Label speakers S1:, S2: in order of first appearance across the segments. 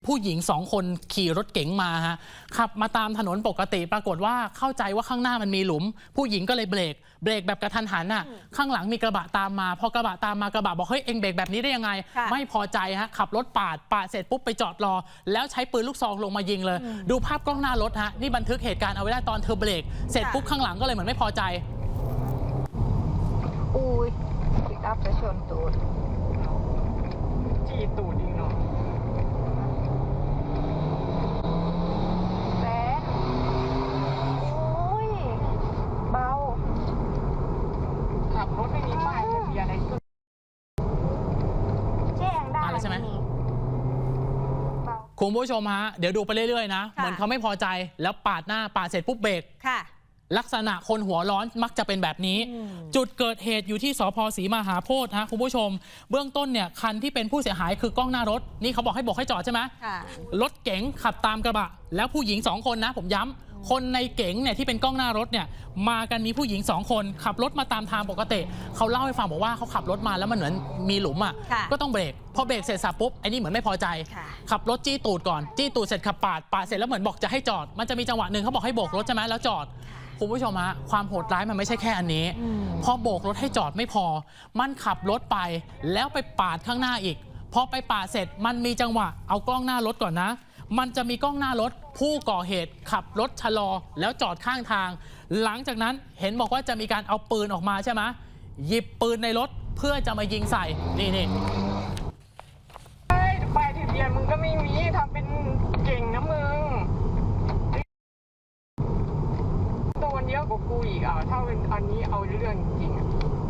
S1: ผู้หญิง2 คนขี่รถเก๋งมาฮะขับมาตามถนนปกติปรากฏว่าเข้าใจว่าข้างหน้ามันมีหลุมผู้หญิงก็เลยเบรกแบบกระทันหันน่ะข้างหลังมีกระบะตามมาพอกระบะตามมากระบะบอกเฮ้ยเอ็งเบรกแบบนี้ได้ยังไงไม่พอใจฮะขับรถปาดเสร็จปุ๊บไปจอดรอแล้วใช้ปืนลูกซองลงมายิงเลยดูภาพกล้องหน้ารถฮะนี่บันทึกเหตุการณ์เอาไว้ได้ตอนเธอเบรกเสร็จปุ๊บข้างหลังก็เลยเหมือนไม่พอใจ
S2: อุ้ยปิกอัพไปชนตูด
S3: จีตูดจริงเนาะ
S2: แสนอุ้ยเบา
S3: ขับรถไม่มีป้ายทะเบียนอะไรก็
S2: แจ้งได้
S1: ใช่ไหมคุณผู้ชมฮะเดี๋ยวดูไปเรื่อยๆนะเหมือนเขาไม่พอใจแล้วปาดหน้าปาดเสร็จปุ๊บเบรกลักษณะคนหัวร้อนมักจะเป็นแบบนี้จุดเกิดเหตุอยู่ที่สภ.ศรีมหาโพธิ์ฮะคุณผู้ชมเบื้องต้นเนี่ยคันที่เป็นผู้เสียหายคือกล้องหน้ารถนี่เขาบอกให้จอดใช่ไหมรถเก๋งขับตามกระบะแล้วผู้หญิง2 คนนะผมย้ำคนในเก๋งเนี่ยที่เป็นกล้องหน้ารถเนี่ยมากันมีผู้หญิง2 คนขับรถมาตามทางปกติเขาเล่าให้ฟังบอกว่าเขาขับรถมาแล้วมันเหมือนมีหลุมอ่ะก็ต้องเบรกพอเบรกเสร็จสับปุ๊บไอ้นี่เหมือนไม่พอใจขับรถจี้ตูดก่อนจี้ตูดเสร็จขับปาดเสร็จแล้วเหมือนบอกจะให้จอดมันจะมีจังหวะหนึ่งเขาบอกให้โบกรถใช่ไหมแล้วจอดคุณผู้ชมฮะความโหดร้ายมันไม่ใช่แค่อันนี้พอโบกรถให้จอดไม่พอมันขับรถไปแล้วไปปาดข้างหน้าอีกพอไปปาดเสร็จมันมีจังหวะเอากล้องหน้ารถก่อนนะมันจะมีกล้องหน้ารถผู้ก่อเหตุขับรถชะลอแล้วจอดข้างทางหลังจากนั้นเห็นบอกว่าจะมีการเอาปืนออกมาใช่ไหมหยิบปืนในรถเพื่อจะมายิงใส่นี่
S3: ป้ายทะเบียนมึงก็ไม่มีทำเป็นเก่งนะมึงโดนเยอะกว่ากูอีกอ่ะถ้าเป็นอันนี้เอาเรื่องจริง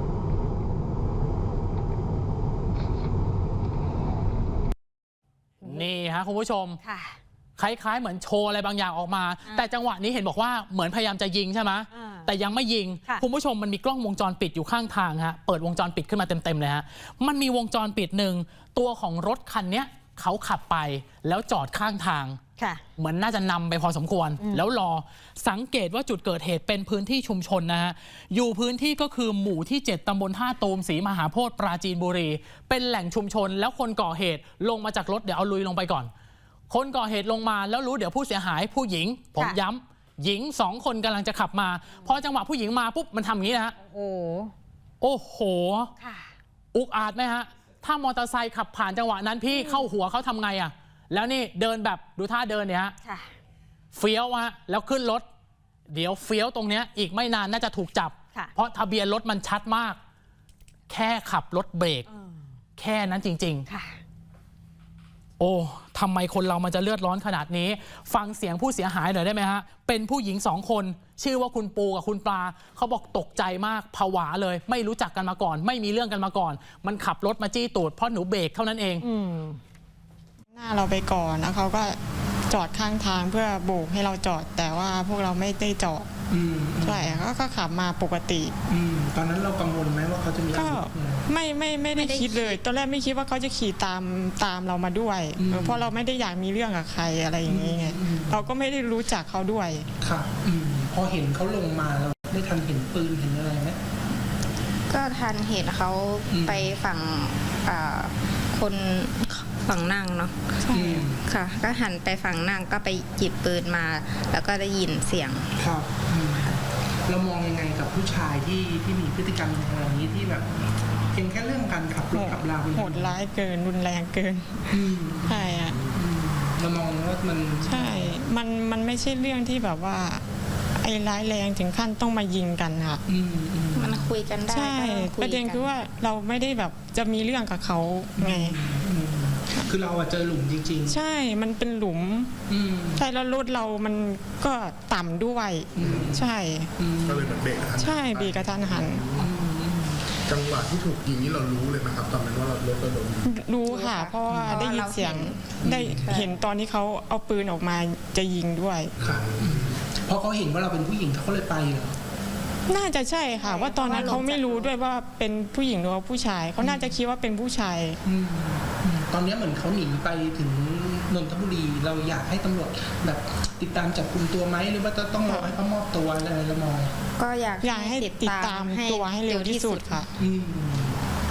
S1: นี่ฮะคุณผู้ชมคล้ายๆเหมือนโชว์อะไรบางอย่างออกมาแต่จังหวะนี้เห็นบอกว่าเหมือนพยายามจะยิงใช่ไหมแต่ยังไม่ยิงคุณผู้ชมมันมีกล้องวงจรปิดอยู่ข้างทางฮะเปิดวงจรปิดขึ้นมาเต็มๆเลยฮะมันมีวงจรปิดหนึ่งตัวของรถคันนี้เขาขับไปแล้วจอดข้างทางเหมือนน่าจะนำไปพอสมควรแล้วรอสังเกตว่าจุดเกิดเหตุเป็นพื้นที่ชุมชนนะฮะอยู่พื้นที่ก็คือหมู่ที่7ตำบลท่าตูมศรีมหาโพธิ์ปราจีนบุรีเป็นแหล่งชุมชนแล้วคนก่อเหตุลงมาจากรถเดี๋ยวเอาลุยลงไปก่อนคนก่อเหตุลงมาแล้วรู้เดี๋ยวผู้เสียหายผู้หญิงผมย้ำหญิง2 คนกำลังจะขับมาพอจังหวะผู้หญิงมาปุ๊บมันทำอย่างนี้นะฮะโอ้โหอุกอาจไหมฮะถ้ามอเตอร์ไซค์ขับผ่านจังหวะนั้นพี่เข้าหัวเขาทำไงอ่ะแล้วนี่เดินแบบดูท่าเดินเนี่ยฮะเฟี้ยวฮะแล้วขึ้นรถเดี๋ยวเฟี้ยวตรงเนี้ยอีกไม่นานน่าจะถูกจับเพราะทะเบียนรถมันชัดมากแค่ขับรถเบรกแค่นั้นจริงๆโอ้ทำไมคนเรามันจะเลือดร้อนขนาดนี้ฟังเสียงผู้เสียหายหน่อยได้ไหมฮะเป็นผู้หญิง2 คนชื่อว่าคุณปูกับคุณปลาเขาบอกตกใจมากผวาเลยไม่รู้จักกันมาก่อนไม่มีเรื่องกันมาก่อนมันขับรถมาจี้ตูดเพราะหนูเบรกเท่านั้นเอง
S4: หน้าเราไปก่อนแล้วเขาก็จอดข้างทางเพื่อโบกให้เราจอดแต่ว่าพวกเราไม่ได้จอดใช่ก็ขับมาปกติ
S5: ตอนนั้นเรากังวลไหมว่าเขาจะมี
S4: ก็ไม่ได้คิดเลยตอนแรกไม่คิดว่าเขาจะขี่ตามเรามาด้วยเพราะเราไม่ได้อยากมีเรื่องกับใครอะไรอย่างเงี้ยเราก็ไม่ได้รู้จักเขาด้วย
S5: ค่ะพอเห็นเขาลงมาเราได้ทันเห็นปืนเห็นอะไรไหม
S2: ก็ทันเห็นเขาไปฝั่งคนฝั่งนั่งเนาะค่ะก็หันไปฝั่งนั่งก็ไปหยิบปืนมาแล้วก็ได้ยินเสียง
S5: ครับเรามองยังไงกับผู้ชายที่มีพฤติกรรมอย่างนี้ที่แบบเพียงแค่เรื่องการขับรถขับรา
S4: โหดร้ายเกินรุนแรงเกินใช่อะ
S5: เรามองว่ามัน
S4: ใช่มันไม่ใช่เรื่องที่แบบว่าไอ้ร้ายแรงถึงขั้นต้องมายิงกันค่ะ
S2: มันคุยกันได้
S4: ใช่ประเด็นคือว่าเราไม่ได้แบบจะมีเรื่องกับเขาไง
S5: คือเราเจอหลุมจริง
S4: ๆใช่มันเป็นหลุมใช่แล้วรถเรามันก็ต่ำด้วยใช่
S6: ก็เลยเหมือนเบรกกระทัน
S4: ใช่เบรกกระทันหัน
S6: จังหวะที่ถูกยิงนี้เรารู้เลยไหมครับตอนนั้นว่ารถเราโดน
S4: รู้ค่ะเพราะว่าได้ยินเสียงได้เห็นตอนที่เขาเอาปืนออกมาจะยิงด้วย
S5: เพราะเขาเห็นว่าเราเป็นผู้หญิงเขาเลยไปเหรอ
S4: น่าจะใช่ค่ะว่าตอนนั้นเขาไม่รู้ด้วยว่าเป็นผู้หญิงหรือว่าผู้ชายเขาน่าจะคิดว่าเป็นผู้ชาย
S5: ตอนนี้เหมือนเขาหนีไปถึงนนทบุรีเราอยากให้ตำรวจแบบติดตามจับกุมตัวไหมหรือว่าจะต้องรอให้เขามอบตัวอะไรเรามอง
S2: ก็อยาก
S4: ให้ติดตามตัวให้เร็วที่สุดค่ะ
S5: มัน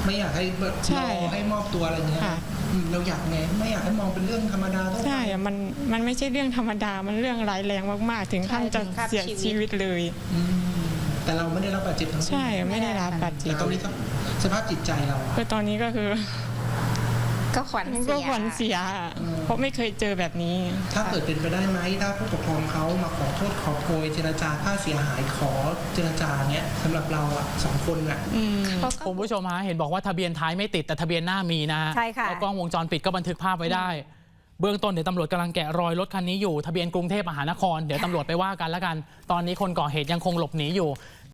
S5: ไม่อยากให้แบบ
S4: ใช่
S5: รอให้มอบตัวอะไรเงี้ย
S4: ค่ะ
S5: เราอยากไงไม่อยากให้มองเป็นเรื่องธรรมดาต้อง
S4: ใช่อะมันไม่ใช่เรื่องธรรมดา มันเรื่องร้ายแรงมากๆ ถึงขั้นจะเสียชีวิตเลย
S5: แต่เราไม่ได้รับบาดเจ็บทั้งสิ้น
S4: ใช่ไม่ได้รับบาดเจ็
S5: แต่
S4: บ
S5: ตอนนี้สภาพจิตใจเราอะ
S4: คือตอนนี้ก็คือ
S2: ก็ขวัญ
S4: ก็
S2: เสีย
S4: ขวัญเสียอะเพราะไม่เคยเจอแบบนี้
S5: ถ้าเกิดเป็นไปได้ไหมถ้าผู้ปกครองเขามาขอโทษขอโพยเจรจาค่าเสียหายขอเจรจาเนี้ยสำหรับเราอะ2 คนอะ
S1: คุณผู้ชมฮะเห็นบอกว่าทะเบียนท้ายไม่ติดแต่ทะเบียนหน้ามีนะ
S7: ใช่ค่ะ
S1: แล้วกล้องวงจรปิดก็บันทึกภาพไว้ได้ เบื้องต้นเดี๋ยวตำรวจกำลังแกะรอยรถคันนี้อยู่ทะเบียนกรุงเทพมหานครเดี๋ยวตำรวจไปว่ากันแล้วกัน ตอนนี้คนก่อเหตุยังคงหลบหนีอยู่